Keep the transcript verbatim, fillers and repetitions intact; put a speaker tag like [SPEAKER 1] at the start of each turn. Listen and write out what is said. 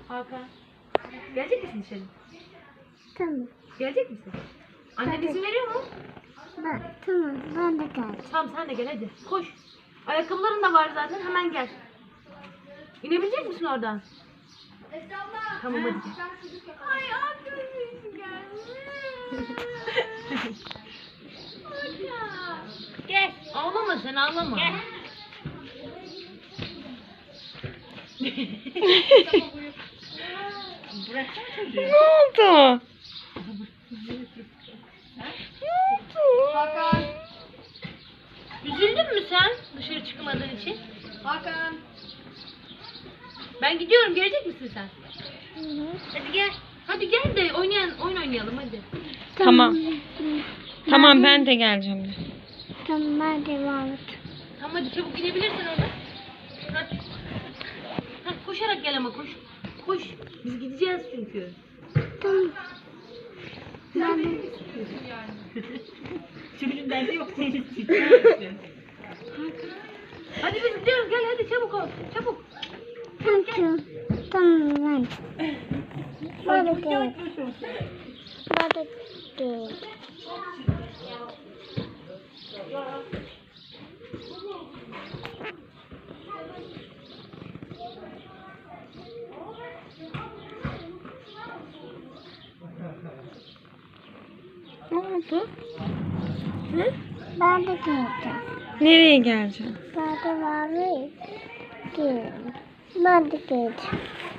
[SPEAKER 1] Hakan. Gelecek misin dışarı?
[SPEAKER 2] Tamam.
[SPEAKER 1] Gelecek misin? Annen izin veriyor mu?
[SPEAKER 2] Ben, tamam ben de geldim.
[SPEAKER 1] Tamam sen de gel hadi. Koş. Ayakkabıların da var zaten hemen gel. İnebilecek misin oradan? Tamam hadi gel.
[SPEAKER 3] Ay arkadaşım gelmiş.
[SPEAKER 1] Gel. Ağlama sen ağlama. Gel. Bıraksana çocuğu.
[SPEAKER 4] Ne oldu?
[SPEAKER 3] Hakan.
[SPEAKER 1] Üzüldün mü sen dışarı çıkmadığın için?
[SPEAKER 3] Hakan.
[SPEAKER 1] Ben gidiyorum, gelecek misin sen?
[SPEAKER 2] Hı hı.
[SPEAKER 1] Hadi gel. Hadi gel de oynayan, oyun oynayalım hadi.
[SPEAKER 4] Tamam. Tamam ben de geleceğim.
[SPEAKER 2] Tamam ben de varım.
[SPEAKER 1] Tamam hadi çabuk gidebilirsin orada. Hadi. Hadi koşarak gel ama koş. Koş. Biz gideceğiz çünkü.
[SPEAKER 2] Tamam. Ben de...
[SPEAKER 1] Çocuğun derdi yok senin için. Hadi biz gidiyoruz gel hadi çabuk ol. Çabuk.
[SPEAKER 2] Tamam. Tamam ben. Ben de geldim. Ben de geldim.
[SPEAKER 4] Ne oldu? Hı?
[SPEAKER 2] Ben de geldim.
[SPEAKER 4] Nereye geleceğim?
[SPEAKER 2] Ben de varım. Geldim. Ben de geldim.